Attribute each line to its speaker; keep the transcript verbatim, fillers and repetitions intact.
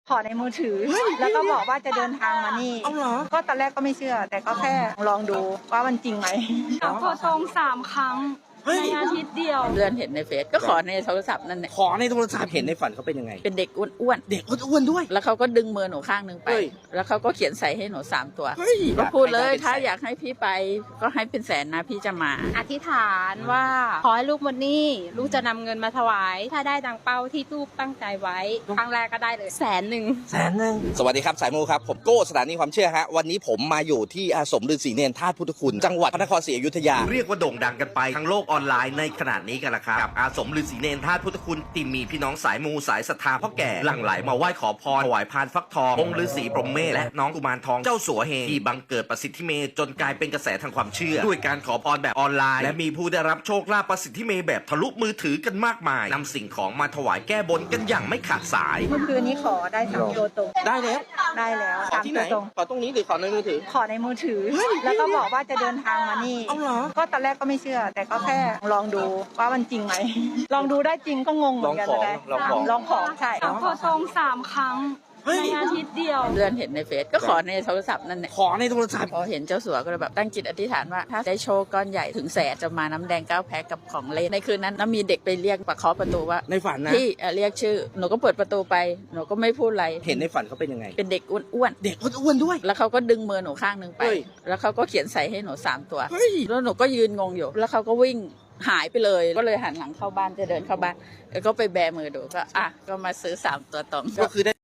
Speaker 1: ขอในมือถือแล้วก็บอกว่าจะเดินทางมานี่
Speaker 2: เอาเหรอ
Speaker 1: ก็ตอนแรกก็ไม่เชื่อ แต่ก็แค่ลองดูว่ามันจริงไหม
Speaker 3: ขอตรงสามครั้ง
Speaker 2: เฮ้ย
Speaker 3: ในอาทิตย์เดียว
Speaker 4: เดือนเห็นในเฟซก็ขอในโทรศัพท์นั่นแหละ
Speaker 2: ขอในโทรศัพท์เห็นในฝันเขาเป็นยังไง
Speaker 4: เป็นเด็กอ้วน
Speaker 2: เด็กอ้วนๆด้วย
Speaker 4: ๆแล้วเขาก็ดึงมือหนูข้างหนึงไป
Speaker 2: เฮ้ย
Speaker 4: แล้วเขาก็เขียนใส่ให้หนูสามตัว
Speaker 2: เฮ้ย
Speaker 4: ก็พูดเลย
Speaker 2: อยากให้ได้เป็นแสน
Speaker 4: ถ้าอยากให้พี่ไปก็ให้เป็นแสนนะพี่จะมา
Speaker 3: อธิษฐานว่าขอให้ลูกหมดหนี้ลูกจะนำเงินมาถวาย ถ้าได้ดังเป้าที่ลูกตั้งใจไว้ ครั้งแรกก็ได้เลยแสนหนึ่ง
Speaker 2: แสนหนึ่งสวัสดีครับสายมูครับผมโก้สถานีความเชื่อฮะวันนี้ผมมาอยู่ที่อาสมฤาษีเนรธาตุพุทธคุณจังหวัดพระนครศรีอยุธยาเรียกว่าโด่งดังกันไปทั้งโลกออนไลน์ในขณะนี้กันละครับกับอาสมฤาษีเนรธาตุพุทธคุณที่มีพี่น้องสายมูสายศรัทธาพ่อแก่หลั่งไหลมาไหว้ขอพรถวายพานฟักทององค์ฤาษีพรหมเมธและน้องกุมารทองเจ้าสัวเฮงที่บังเกิดประสิทธิเมย์จนกลายเป็นกระแสทางความเชื่อด้วยการขอพรแบบออนไลน์และมีผู้ได้รับโชคลาภประสิทธิเมย์แบบทะลุมือถือกันมากมายนำสิ่งของมาถวายแก้บนกันอย่างไม่ขาดสาย
Speaker 1: เมื่อคืนนี้ขอได้สามตัวตรง
Speaker 2: ได้แล้ว
Speaker 1: ได้แล้ว
Speaker 2: ขอ
Speaker 1: สาม
Speaker 2: ที่ไห
Speaker 1: ตั
Speaker 2: น
Speaker 1: วตรง
Speaker 2: ขอตรงนี้หรือขอในมือถือ
Speaker 1: ขอในมือถือ
Speaker 2: เฮ้ย
Speaker 1: แล้วก็บอกว่าจะเดินทางมานี่
Speaker 2: เอาเหรอ
Speaker 1: ก็ตอนแรกก็ไม่เชื่อ แต่ก็แค่ลองดูว่ามันจริงไหม ลองดูได้จริงก็งงเหมือนกัน
Speaker 2: ลองของ
Speaker 1: นะ
Speaker 2: ลองของ
Speaker 1: ลองของใช่
Speaker 3: ขอตรงสามครั้ง
Speaker 2: เฮ้ย
Speaker 3: ในอาทิตย์เดียว
Speaker 4: เดือนเห็นในเฟซก็ขอในโทรศัพท์นั่นแหละ
Speaker 2: ขอในโทรศัพท์
Speaker 4: พอเห็นเจ้าสัวก็เลยแบบตั้งจิตอธิษฐานว่าถ้าได้โชคก้อนใหญ่ถึงแสนจะมาน้ำแดงเก้าแพ็คกับของเล่นในคืนนั้นแล้วมีเด็กไปเรียกประเคาะประตูว่า
Speaker 2: ในฝันนะ
Speaker 4: พี่เอ่อเรียกชื่อหนูก็เปิดประตูไปหนูก็ไม่พูดอะไร
Speaker 2: เห็นในฝันเขาเป็นยังไง
Speaker 4: เป็นเด็กอ้วน
Speaker 2: เด็กอ้วนๆด้วย
Speaker 4: ๆแล้วเขาก็ดึงมือหนูข้างหนึงไป
Speaker 2: เฮ้ย
Speaker 4: แล้วเขาก็เขียนใส่ให้หนูสามตัว
Speaker 2: เฮ้ย
Speaker 4: แล้วหนูก็ยืนงงอยู่ แล้วเขาก็วิ่งหายไปเลย ก็เลยหันหลังเข้าบ้านจะเดินเข้าบ้าน แล้วก็ไปแบมือดูก็อ่ะก็มาซื้อสามตัวตรง
Speaker 2: ก็คือได้